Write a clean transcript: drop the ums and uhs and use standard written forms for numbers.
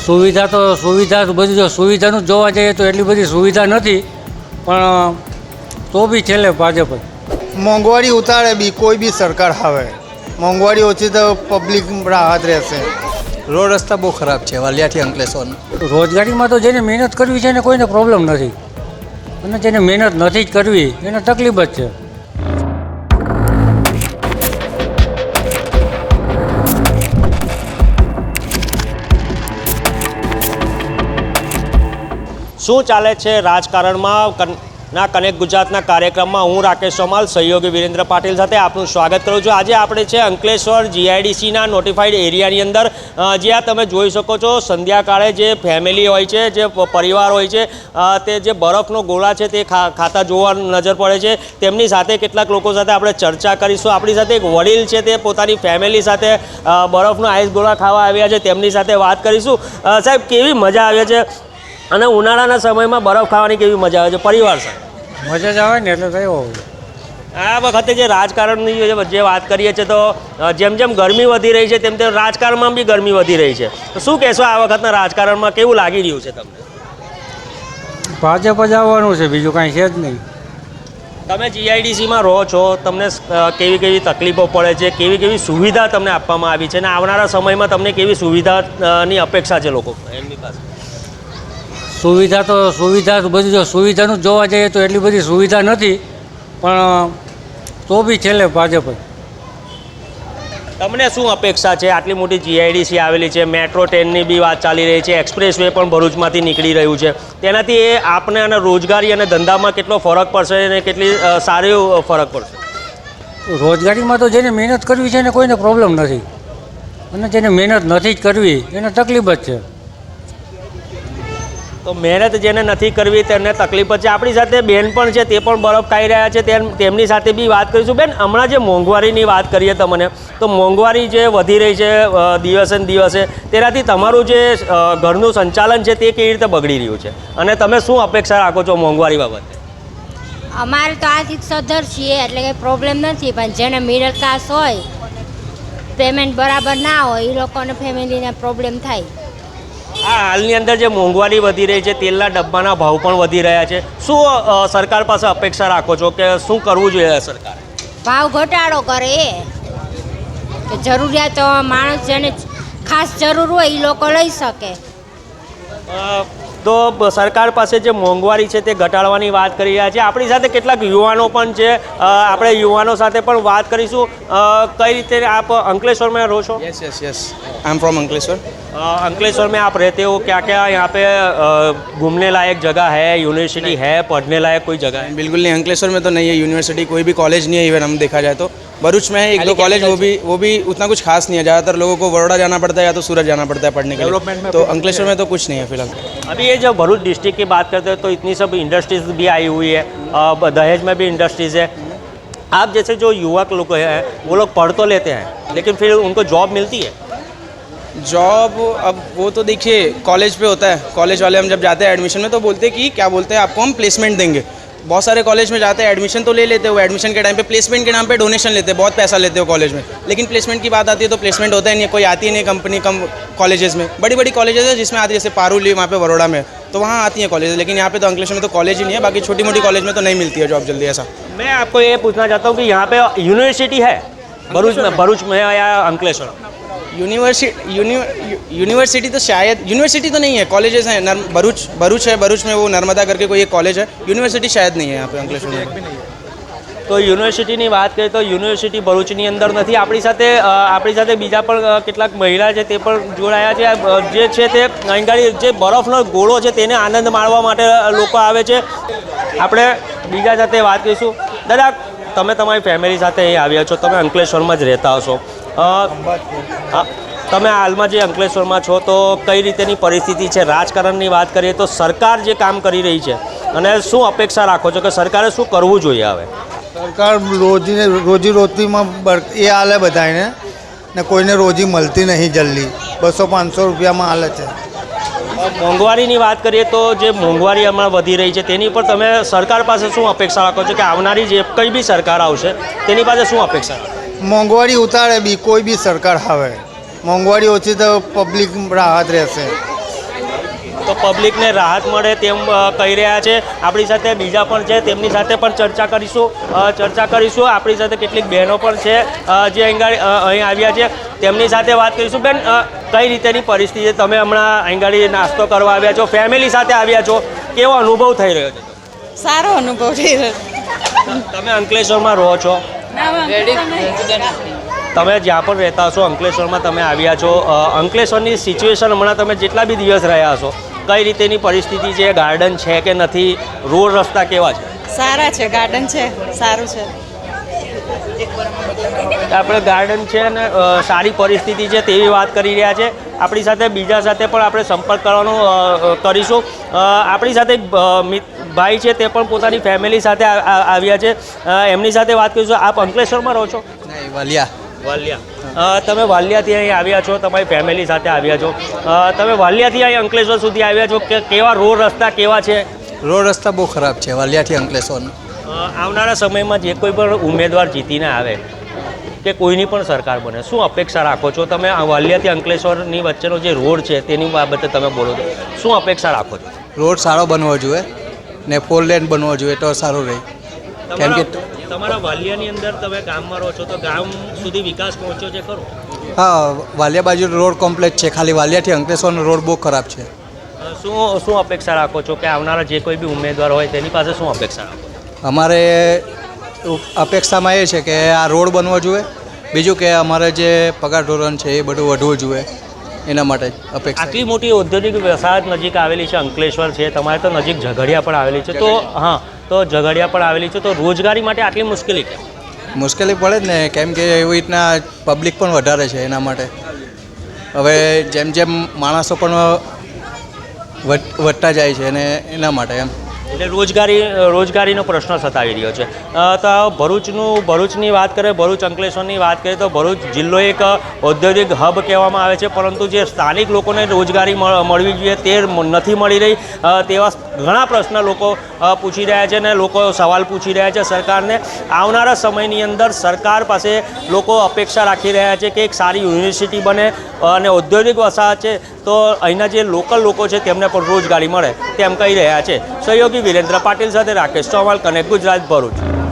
સુવિધા બધી જો સુવિધાનું જોવા જઈએ તો એટલી બધી સુવિધા નથી, પણ તો બી છેલ્લે ભાજપ જ. મોંઘવારી ઉતારે બી કોઈ બી સરકાર આવે, મોંઘવારી ઓછી તો પબ્લિક રાહત રહેશે. રોડ રસ્તા બહુ ખરાબ છે વાલિયાથી અંકલેશ્વરના. રોજગારીમાં તો જેને મહેનત કરવી છે એને કોઈને પ્રોબ્લેમ નથી, અને જેને મહેનત નથી જ કરવી એને તકલીફ જ છે. શું ચાલે છે રાજકારણમાં ના કનેક્ટ ગુજરાતના કાર્યક્રમમાં હું રાકેશ સોમાલ સહયોગી વિરેન્દ્ર પાટીલ સાથે આપનું સ્વાગત કરું છું. આજે આપણે છે અંકલેશ્વર જીઆઈડીસીના નોટિફાઈડ એરિયાની અંદર, જ્યાં તમે જોઈ શકો છો સંધ્યાકાળે જે ફેમિલી હોય છે, જે પરિવાર હોય છે, તે જે બરફનો ગોળા છે તે ખાતા જોવા નજર પડે છે. તેમની સાથે કેટલાક લોકો સાથે આપણે ચર્ચા કરીશું. આપણી સાથે એક વડીલ છે, તે પોતાની ફેમિલી સાથે બરફનો આઈસ ગોળા ખાવા આવ્યા છે, તેમની સાથે વાત કરીશું. સાહેબ, કેવી મજા આવે છે અને ઉનાળાના સમયમાં બરફ ખાવાની કેવી મજા આવે છે પરિવાર સાથે? મજા જ આવે ને, એટલે થયો. આ વખતે જે રાજકારણની જે વાત કરીએ છીએ તો જેમ જેમ ગરમી વધી રહી છે તેમ તેમ રાજકારણમાં બી ગરમી વધી રહી છે. તો શું કહેશો આ વખતના રાજકારણમાં કેવું લાગી રહ્યું છે તમને? ભાજપ જ આવવાનું છે, બીજું કાંઈ છે જ નહીં. તમે જીઆઈડીસીમાં રહો છો, તમને કેવી કેવી તકલીફો પડે છે, કેવી કેવી સુવિધા તમને આપવામાં આવી છે, અને આવનારા સમયમાં તમને કેવી સુવિધાની અપેક્ષા છે લોકો એમની પાસે? સુવિધા બધી જો સુવિધાનું જોવા જઈએ તો એટલી બધી સુવિધા નથી, પણ તો બી છેલ્લે ભાજપ જ. તમને શું અપેક્ષા છે? આટલી મોટી જીઆઈડીસી આવેલી છે, મેટ્રો ટ્રેનની બી વાત ચાલી રહી છે, એક્સપ્રેસ વે પણ ભરૂચમાંથી નીકળી રહ્યું છે, તેનાથી એ આપને અને રોજગારી અને ધંધામાં કેટલો ફરક પડશે અને કેટલી સારી ફરક પડશે? રોજગારીમાં તો જેને મહેનત કરવી છે એને કોઈને પ્રોબ્લેમ નથી, અને જેને મહેનત નથી જ કરવી એને તકલીફ જ છે. તો મહેનત જેને નથી કરવી તેને તકલીફ છે. આપણી સાથે બેન પણ છે, તે પણ બરફ ખાઈ રહ્યા છે, તેમની સાથે બી વાત કરીશું. બેન, હમણાં જે મોંઘવારીની વાત કરીએ તમને, તો મોંઘવારી જે વધી રહી છે દિવસે ને દિવસે, તેનાથી તમારું જે ઘરનું સંચાલન છે તે કેવી રીતે બગડી રહ્યું છે, અને તમે શું અપેક્ષા રાખો છો મોંઘવારી બાબતે? અમારે તો આર્થિક સદ્ધર છીએ એટલે કંઈ પ્રોબ્લેમ નથી, પણ જેને મિડલ ક્લાસ હોય, પેમેન્ટ બરાબર ના હોય, એ લોકોને ફેમિલીને પ્રોબ્લેમ થાય. આ હાલની અંદર જે મોંઘવારી વધી રહી છે, તેલના ડબ્બાના ભાવ પણ વધી રહ્યા છે, શું સરકાર પાસે અપેક્ષા રાખો છો કે શું કરવું જોઈએ સરકાર? ભાવ ઘટાડો કરે, કે જરૂરિયાત માણસ જેને ખાસ જરૂર હોય એ લોકો લઈ શકે. તો સરકાર પાસે જે મોંઘવારી છે તે ઘટાડવાની વાત કરી રહ્યા છે. આપણી સાથે કેટલાક યુવાનો પણ છે, આપણે યુવાનો સાથે પણ વાત કરીશું. કઈ રીતે આપ अंकलेश्वर में रहो છો? Yes yes yes I am from Ankleshwar. Ankleshwar में आप रहते हो, क्या क्या यहाँ पे घूमने लायक जगह है, यूनिवर्सिटी है, पढ़ने लायक कोई जगह है? बिल्कुल नहीं, अंकलेश्वर में तो नहीं है यूनिवर्सिटी, कोई भी कॉलेज नहीं है. इवन हम देखा जाए तो भरूच में है एक दो कॉलेज, वो भी उतना कुछ खास नहीं है. ज़्यादातर लोगों को बड़ौदा जाना पड़ता है या तो सूरत जाना पड़ता है पढ़ने के लिए. तो अंकलेश्वर में तो कुछ नहीं है फिलहाल. अभी ये जब भरूच डिस्ट्रिक्ट की बात करते हैं तो इतनी सब इंडस्ट्रीज भी आई हुई है, दहेज में भी इंडस्ट्रीज़ है. आप जैसे जो युवक लोग हैं वो लोग पढ़ तो लेते हैं, लेकिन फिर उनको जॉब मिलती है? जॉब अब वो तो देखिए कॉलेज पे होता है. कॉलेज वाले हम जब जाते हैं एडमिशन में तो बोलते हैं कि क्या बोलते हैं, आपको हम प्लेसमेंट देंगे. बहुत सारे कॉलेज में जाते हैं, एडमिशन तो ले लेते हो, एडमिशन के टाइम पे प्लेसमेंट के नाम पे डोनेशन लेते हैं, बहुत पैसा लेते हो कॉलेज में. लेकिन प्लेसमेंट की बात आती है तो प्लेसमेंट होता ही नहीं, कोई आती ही नहीं कंपनी कम कॉलेजेस में. बड़ी बड़ी कॉलेजेस है जिसमें आती है, जैसे पारुली वहाँ पे बड़ौदा में, तो वहाँ आती हैं कॉलेज. लेकिन यहाँ पे तो अंकलेश्वर में तो कॉलेज ही नहीं है. बाकी छोटी मोटी कॉलेज में तो नहीं मिलती है जॉब जल्दी. ऐसा मैं आपको ये पूछना चाहता हूँ कि यहाँ पे यूनिवर्सिटी है भरूच में या अंकलेश्वर? यूनिवर्सिटी तो शायद, यूनिवर्सिटी तो नहीं है, कॉलेजेस हैं. भरूच है, भरूच में वो नर्मदा करके कोई एक कॉलेज है. यूनिवर्सिटी शायद नहीं है यहाँ पे अंकलेश्वर में. તો યુનિવર્સિટીની વાત કરીએ તો યુનિવર્સિટી ભરૂચની અંદર નથી. આપણી સાથે બીજા પણ કેટલાક મહિલા છે તે પણ જોડાયા છે. જે છે તે અહીં જે બરફનો ગોળો છે તેને આનંદ માણવા માટે લોકો આવે છે. આપણે બીજા સાથે વાત કરીશું. દાદા, તમે તમારી ફેમિલી સાથે અહીં આવ્યા છો, તમે અંકલેશ્વરમાં જ રહેતા હશો. તમે હાલમાં જે અંકલેશ્વરમાં છો તો કઈ રીતેની પરિસ્થિતિ છે? રાજકારણની વાત કરીએ તો સરકાર જે કામ કરી રહી છે અને શું અપેક્ષા રાખો છો કે સરકારે શું કરવું જોઈએ? હવે સરકાર રોજીરોટીમાં એ હાલે બધાને, ને કોઈને રોજી મળતી નહીં જલ્દી. 200-500 રૂપિયામાં હાલે છે. મોંઘવારીની વાત કરીએ તો જે મોંઘવારી હમણાં વધી રહી છે તેની પર તમે સરકાર પાસે શું અપેક્ષા રાખો છો કે આવનારી જે કંઈ બી સરકાર આવશે તેની પાસે શું અપેક્ષા રાખો? મોંઘવારી ઉતારે બી કોઈ બી સરકાર આવે, મોંઘવારી ઓછી તો પબ્લિક રાહત રહેશે. તો પબ્લિકને રાહત મળે તેમ કહી રહ્યા છે. આપણી સાથે બીજા પણ છે, તેમની સાથે પણ ચર્ચા કરીશું. આપણી સાથે કેટલીક બહેનો પણ છે જે અહીં આવ્યા છે, તેમની સાથે વાત કરીશું. બેન, કઈ રીતેની પરિસ્થિતિ? તમે હમણાં અહીં નાસ્તો કરવા આવ્યા છો, ફેમિલી સાથે આવ્યા છો, કેવો અનુભવ થઈ રહ્યો છે? સારો અનુભવ થઈ રહ્યો. તમે અંકલેશ્વરમાં રહો છો? તમે જ્યાં પણ રહેતા હશો, અંકલેશ્વરમાં તમે આવ્યા છો. અંકલેશ્વરની સિચ્યુએશન હમણાં તમે જેટલા બી દિવસ રહ્યા હશો, કઈ રીતેની પરિસ્થિતિ છે? ગાર્ડન છે કે નથી? રોડ રસ્તા કેવા છે? સારા છે, ગાર્ડન છે, સારું છે. આપણે ગાર્ડન છે અને સારી પરિસ્થિતિ છે તેવી વાત કરી રહ્યા છે. આપણી સાથે બીજા સાથે પણ આપણે સંપર્ક કરવાનો કરીશું. આપણી સાથે એક ભાઈ છે, તે પણ પોતાની ફેમિલી સાથે આવ્યા છે. એમની સાથે વાત કરીશું. આપ અંકલેશ્વરમાં રહો છો? નહીં, વાલિયા. તમે વાલિયાથી અહીં આવ્યા છો, તમારી ફેમિલી સાથે આવ્યા છો. તમે વાલિયાથી અહીં અંકલેશ્વર સુધી આવ્યા છો, કે કેવા રોડ રસ્તા કેવા છે? રોડ રસ્તા બહુ ખરાબ છે વાલિયાથી અંકલેશ્વરનો. આવનારા સમયમાં જે કોઈ પણ ઉમેદવાર જીતીને આવે કે કોઈની પણ સરકાર બને, શું અપેક્ષા રાખો છો તમે? વાલિયાથી અંકલેશ્વરની વચ્ચેનો જે રોડ છે તેની બાબતે તમે બોલો તો શું અપેક્ષા રાખો છો? રોડ સારો બનવો જોઈએ ને 4 લેન બનવો જોઈએ તો સારું રહે. કેમ કે તમારા વાલિયાની અંદર તમે ગામમાં રહો છો, તો ગામ સુધી વિકાસ પહોંચ્યો છે ખરો? હા, વાલિયા બાજુ રોડ કોમ્પ્લેટ છે, ખાલી વાલિયાથી અંકલેશ્વરનો રોડ બહુ ખરાબ છે. શું અપેક્ષા રાખો છો કે આવનારા જે કોઈ બી ઉમેદવાર હોય તેની પાસે શું અપેક્ષા રાખો? અમારે અપેક્ષામાં એ છે કે આ રોડ બનવો જોઈએ, બીજું કે અમારે જે પગાર ધોરણ છે એ બધું વધવું જોઈએ, એના માટે અપેક્ષા. આટલી મોટી ઔદ્યોગિક વસાહત નજીક આવેલી છે, અંકલેશ્વર છે, તમારે તો નજીક ઝઘડિયા પણ આવેલી છે, તો હા, તો ઝઘડિયા પણ આવેલી છે, તો રોજગારી માટે આટલી મુશ્કેલી કેમ? મુશ્કેલી પડે જ ને, કેમ કે એવી રીતના પબ્લિક પણ વધારે છે એના માટે. હવે જેમ જેમ માણસો પણ વધતા જાય છે અને એના માટે એમ એટલે રોજગારીનો પ્રશ્ન સતાવી રહ્યો છે. તો ભરૂચની વાત કરીએ, ભરૂચ અંકલેશ્વરની વાત કરીએ તો ભરૂચ જિલ્લો એક ઔદ્યોગિક હબ કહેવામાં આવે છે, પરંતુ જે સ્થાનિક લોકોને રોજગારી મળવી જોઈએ તે નથી મળી રહી. તેવા ઘણા પ્રશ્ન લોકો પૂછી રહ્યા છે અને લોકો સવાલ પૂછી રહ્યા છે સરકારને. આવનારા સમયની અંદર સરકાર પાસે લોકો અપેક્ષા રાખી રહ્યા છે કે એક સારી યુનિવર્સિટી બને અને ઔદ્યોગિક વસાહત છે તો અહીંના જે લોકલ લોકો છે તેમને પણ રોજગારી મળે તેમ કહી રહ્યા છે. સહયોગી વિરેન્દ્ર પાટીલ સાથે રાકેશ ચૌહાણ, કનેક્ટ ગુજરાત, ભરૂચ.